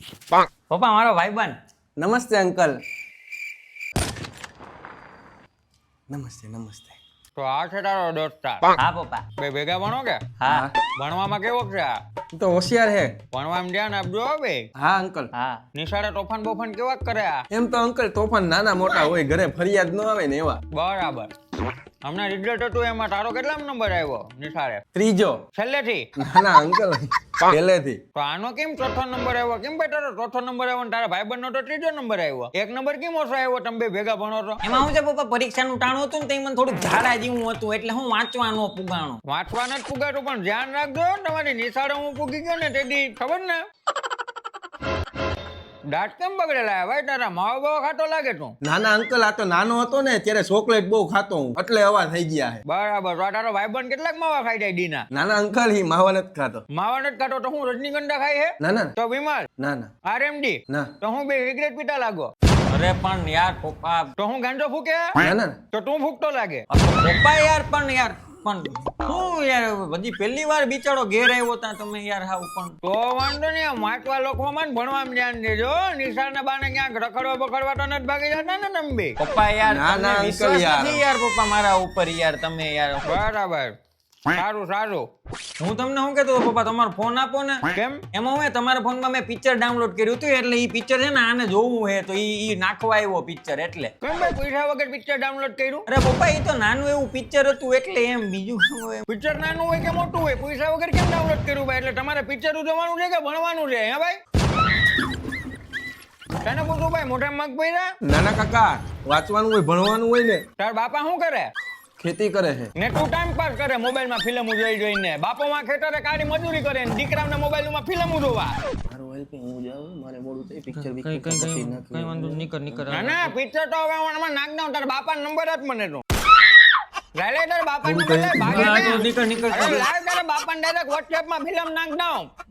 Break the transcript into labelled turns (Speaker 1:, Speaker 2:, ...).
Speaker 1: પપ્પા મારો ભાઈબંધ.
Speaker 2: નમસ્તે અંકલ. નમસ્તે નમસ્તે.
Speaker 3: તો આ છે તારો દોસ્તાર.
Speaker 1: હા પપ્પા.
Speaker 3: બે ભેગા ભણો કે?
Speaker 1: હા
Speaker 3: ભણવામાં કેવો છે આ?
Speaker 2: તું તો હોશિયાર હે.
Speaker 3: ભણવામાં ધ્યાન આપજો હો બે.
Speaker 2: હા અંકલ.
Speaker 1: હા.
Speaker 3: નિશાળે તોફાન બોફાન કેવા કરે આ?
Speaker 2: એમ તો અંકલ તોફાન નાના મોટા હોય, ઘરે ફરિયાદ ન આવે ને એવા.
Speaker 3: બરાબર. હમણાં રિઝલ્ટ હતું એમાં તારો કેટલા નંબર આવ્યો નિશાળે?
Speaker 2: ત્રીજો.
Speaker 3: છેલ્લેથી?
Speaker 2: નાના અંકલ પહેલેથી.
Speaker 3: તો આનો કેમ ચોથો નંબર આવ્યો? કેમ ભાઈ તારો ચોથો નંબર આવ્યો ને તારા ભાઈબંધનો તો ત્રીજો નંબર આવ્યો? એક નંબર કેમ ઓછો આવ્યો? તમે બે ભેગા ભણો છો.
Speaker 1: એમાં હું છે પપ્પા, પરીક્ષાનું ટાણું હતું ને તે મને થોડું ઝાડા જેવું હતું એટલે હું વાંચવાનો પુગાણો.
Speaker 3: વાંચવાને જ પુગાતું પણ ધ્યાન રાખજો તમારી નિશાળે હું પૂગી ગયો ને તેથી ખબર ને દાંત કેમ બગડેલા ભાઈ તારા? માવો બાવો ખાતો લાગે તું.
Speaker 2: નાના અંકલ આ તો નાનો હતો ને ત્યારે ચોકલેટ બહુ ખાતો હું, એટલે આવા થઈ ગયા હે.
Speaker 3: બરાબર. તો આ તારો ભાઈબંધ કેટલાક માવા ખાઈ જાય દીના?
Speaker 2: નાના અંકલ હી માવા નથી ખાતો.
Speaker 3: માવા નથી ખાતો તો હું રજનીગંધા ખાય હે?
Speaker 2: ના ના
Speaker 3: તો બીમાર?
Speaker 2: ના ના
Speaker 3: આરએમડી?
Speaker 2: ના
Speaker 3: તો હું બે સિગરેટ પીતા લાગો?
Speaker 1: અરે પણ યાર પપ્પા.
Speaker 3: તો હું ગાંજો ફૂકે?
Speaker 2: ના ના
Speaker 3: તો તું ફૂકતો લાગે?
Speaker 1: પપ્પા યાર પણ હું યાર બધી પહેલી વાર બિચારો ઘેર આવ્યો તા તમે યાર હાવ પણ.
Speaker 3: તો વાંધો નહીં, વાંચવા લખવામાં ને ભણવામાં ધ્યાન દેજો. નિશાળના બાને ક્યાંક રખડવા બખડવા તો નથી ભાગી જતા ને તમે બે?
Speaker 1: પપ્પા યાર
Speaker 2: ના,
Speaker 1: તમને
Speaker 2: ના, અંકલ
Speaker 1: વિશ્વાસ
Speaker 2: યાર.
Speaker 1: નથી યાર પપ્પા મારા ઉપર યાર તમે યાર.
Speaker 3: બરાબર. સારું સારું.
Speaker 1: હું તમને શું કહેતો હતો પપ્પા, તમારો ફોન આપો ને.
Speaker 3: કેમ?
Speaker 1: એમાં હું તમારા ફોનમાં મેં પિક્ચર ડાઉનલોડ કર્યું હતું એટલે ઈ પિક્ચર છે ને આને જોવું હે તો ઈ નાખવા આવ્યો પિક્ચર એટલે.
Speaker 3: કેમ ભાઈ પૈસા વગર પિક્ચર ડાઉનલોડ કર્યું?
Speaker 1: અરે પપ્પા ઈ તો નાનું એવું પિક્ચર હતું એટલે એમ, બીજું શું હોય.
Speaker 3: પિક્ચર નાનું હોય કે મોટું હોય, પૈસા વગર કેમ ડાઉનલોડ કર્યું ભાઈ? એટલે તમારે પિક્ચર જોવાનું છે કે ભણવાનું છે હે ભાઈ? તને પૂછું ભાઈ, મોઢા મગ પૈરા?
Speaker 2: નાના કાકા વાંચવાનું હોય ભણવાનું હોય ને.
Speaker 3: તાર બાપા શું કરે?
Speaker 2: ખેતી કરે છે.
Speaker 3: ને તું ટાઈમ પાસ કરે મોબાઈલમાં ફિલ્મો જોઈ જોઈને. બાપોમાં ખેતરે કાળી મજૂરી કરે ને દીકરાઓને મોબાઈલમાં ફિલ્મો જોવા.
Speaker 2: મારું હેલ્પ હું જાઉં, મારે મોડું થઈ પિક્ચર
Speaker 1: કઈ વાંધો નીકળ
Speaker 3: ના ના પિક્ચર તો હવે આમાં નાખ દઉં. તારા બાપાનો નંબર આપ મને તું. લાય લે તારા બાપાનો નંબર લે. ભાગે ને.
Speaker 1: નીકળ
Speaker 3: અરે લાય તારા બાપાને ડાયરેક્ટ WhatsApp માં ફિલ્મ નાખ દઉં.